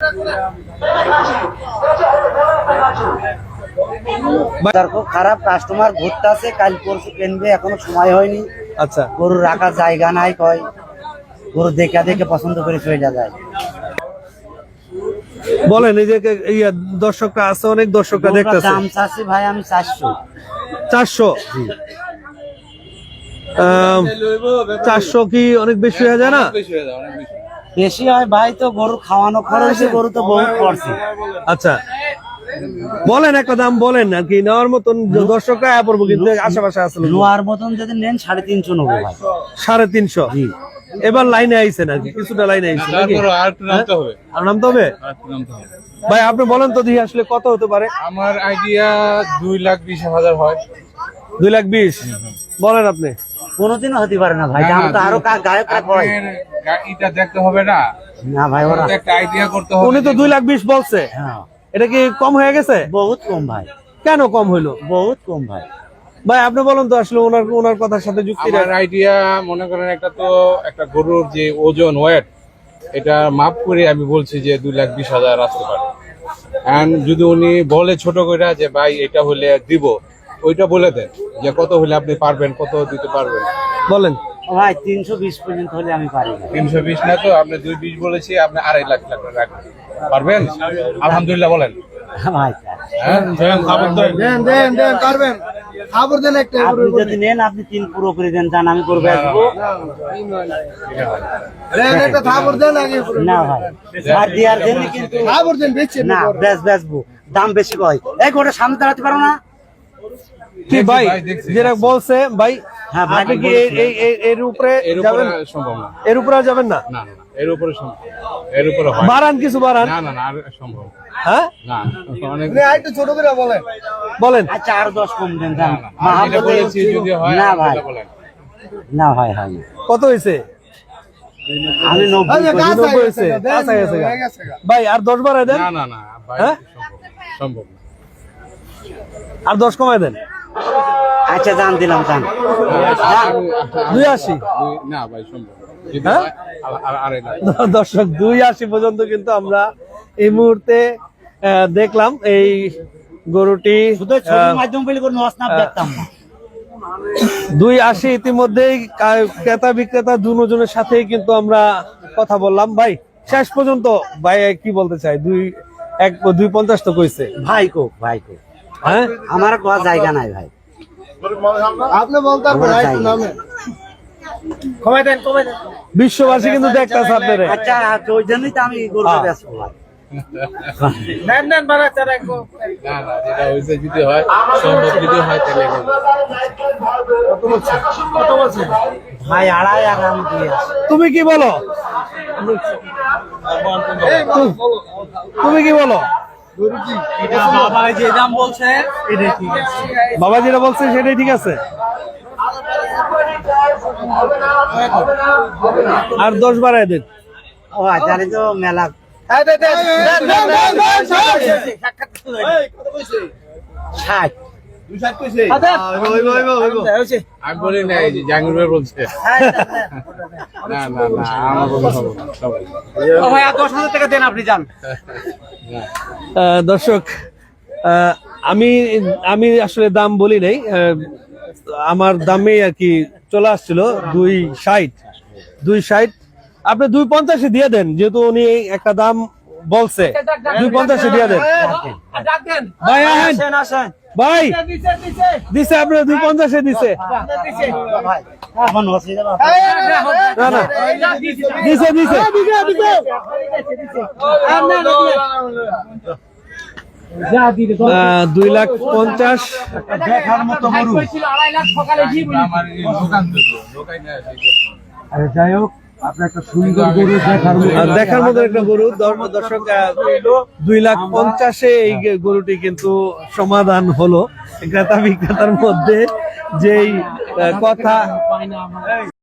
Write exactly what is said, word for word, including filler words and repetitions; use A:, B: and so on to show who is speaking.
A: খুব খারাপ, কাস্টমার ঘুরতে আছে, কাল পরশু কিনবে, এখনো সময় হয়নি।
B: আচ্ছা,
A: গরু রাখার জায়গা নাই, কয় গরু দেখে দেখে পছন্দ করে চলে যায়।
B: বলেন এই যে ইয়া দর্শকরা আছে, অনেক দর্শকরা দেখতেছে।
A: দাম চাচ্ছি ভাই আমি চারশো।
B: চারশো? চারশো কি অনেক বেশি হয়ে যায় না?
A: বেশি হয় ভাই, তো গরু খাওয়ানো খরচ, গরু তো বহুত পড়ছে।
B: আচ্ছা, বলেন একটা দাম বলেন আর কি, নেওয়ার মতন দর্শকরা আয়া পড়বো, কিন্তু আশেপাশে আছে।
A: নেওয়ার মতন যদি নেন সাড়ে তিনশো নেবো ভাই।
B: সাড়ে তিনশো? এবার লাইনে আইছে নাকি? কিছুটা লাইনে আইছে নাকি? আর নামতে হবে ভাই? আপনি বলেন তো দেখি আসলে কত হতে পারে?
C: আমার আইডিয়া দুই লাখ বিশ হাজার হয়।
B: দুই লাখ বিশ বলেন আপনি?
A: কোনোদিনও হতে পারে না ভাই, দাম তো আরো গায়ক
C: এটা দেখতে হবে না
A: না ভাই, ওরা
C: একটা আইডিয়া করতে হবে।
B: উনি তো দুই লাখ বিশ বলছে, এটা কি কম হয়ে গেছে?
A: বহুত কম ভাই।
B: কেন কম হইলো?
A: বহুত কম ভাই।
B: ভাই আপনি বলেন তো আসলে ওনার ওনার কথার সাথে যুক্তি।
C: আমার আইডিয়া মনে করেন একটা তো একটা গরুর যে ওজন ওয়েট, এটা মাপ করে আমি বলছি যে দুই লাখ বিশ হাজার আসতে পারে। এন্ড যদি উনি বলে ছোট করে যে ভাই এটা হলে দিব, ওইটা বলে দেন যে কত হলে আপনি পারবেন, কত দিতে পারবেন
B: বলেন।
A: ভাই তিনশো বিশ পর্যন্ত হলে আমি পারি।
C: তিনশো বিশ না তো, আপনি দুই বিশ বলেছি, আপনি আড়াই লাখ টাকা রাখবেন, পারবেন? আলহামদুলিল্লাহ বলেন
A: ভাই। আপনি যদি নেন আপনি তিন পুরো করে দেন, জান আমি করে বেচবো না ভাই। আর দেওয়ার জন্য কিন্তু না, বেচ বেচবো, দাম বেশি কয়। এই গোটা সামনে দাঁড়াতে পারো না
B: কি ভাই যেটা বলছে ভাই?
A: হ্যাঁ ভাই,
B: আপনি কি এই এর উপরে
C: এর উপরে সম্ভব না,
B: এর উপরে যাবেন না?
C: না না, এর উপরে সম্ভব, এর উপরে হয়
B: বাড়ান, কিছু বাড়ান।
C: না না না, আর সম্ভব
B: হ্যাঁ
C: না, অনেক
B: একটু ছোট করে বলেন বলেন।
A: আচ্ছা আর দশ কম দেন, জান
C: এটা বলেছি যদি হয়
A: না ভাই,
C: বলেন।
A: না ভাই হয় না।
B: কত হয়েছে?
A: আমি নব্বই
B: নব্বই হয়েছে। ভাই আর দশ বাড়াই দেন।
C: না না না ভাই,
B: হ্যাঁ?
C: সম্ভব না,
B: আর দশ কমাই দেন।
A: আচ্ছা জান দিলাম, জান
B: দুই আশি।
C: না ভাই সম্ভব না। যদি
B: হ্যাঁ?
C: হয়, আর- আর- আড়াই লাখ।
B: দর্শক দুই আশি পর্যন্ত কিন্তু আমরা এই মুহূর্তে আহ, দেখলাম এই গরুটি
A: শুধু ছবির মাধ্যমে বলে কোনো অসনাপ দেখতাম না।
B: দুই আশি ইতিমধ্যেই কা- ক্রেতা বিক্রেতা দুজনের সাথেই কিন্তু আমরা কথা বললাম। ভাই শেষ পর্যন্ত ভাই কি বলতে চাই? দুই এক দুই পঞ্চাশ তো কইছে
A: ভাই কো ভাই কো,
B: হ্যাঁ?
A: আমার কোনো জায়গা নাই ভাই।
D: আপনি বলতে পারবেন একটু নামে
A: কমাই দেন, কমাই দেন।
B: বিশ্ববাসী কিন্তু দেখতেছে আপনারে।
A: আচ্ছা ওই জন্যই তো আমি গরুটা বেচবো ভাই।
D: নেন নেন বাড়াতে রাখবো।
C: না না, যেটা হয়েছে যদি হয়, সম্ভব যদি হয় তাহলে এগোবো।
D: কত বলছেন?
A: ভাই আড়াই আর আমি দিয়ে আসি।
B: তুমি কি বলো? তুমি কি বলো?
D: বাবা যে দাম বলছে এটাই ঠিক আছে।
B: বাবা যেটা বলছে সেটাই ঠিক আছে। আর দশ বাড়ায় দেন।
A: ও আচ্ছা তো মেলা
D: এই দে দে দেন দেন দেন
A: ষাট।
D: দুশো কইছে ওই ওই ওই ওই
C: আমি বলি না, এই যে জাহাঙ্গীর ভাই বলছে। না না না, আমার কোনো সম্ভব না, সবাই।
A: ও ভাই আর দশ হাজার টাকা দেন, আপনি যান।
B: আহ, দর্শক আহ, আমি আমি আসলে দাম বলি নাই, আহ, আমার দামে আর কি চলে আসছিল দুই ষাট। দুই ষাট আপনি দুই পঞ্চাশে দিয়ে দেন, যেহেতু উনি একটা দাম বলছে। দুই পঞ্চাশে দিয়ে দেন ভাই। আসেন
A: আসেন
B: ভাই, দিছে আপনার দুই পঞ্চাশে দিছে।
A: ভাই আমার অসুবিধা না।
B: না না, দিছে দিছে। আহ, দুই লাখ পঞ্চাশ।
A: দেখার মতো গরু।
C: আমার এই দোকান তো, দোকান না, সেই কথা।
A: আরে যাই হোক, আপনি একটা সুন্দর গরু দেখার মতো।
B: আর দেখার মতো একটা গরু। দর- দর্শক আহ, দুই লাখ পঞ্চাশে এই গরুটি কিন্তু সমাধান হলো ক্রেতা বিক্রেতার মধ্যে যেই আহ, কথা।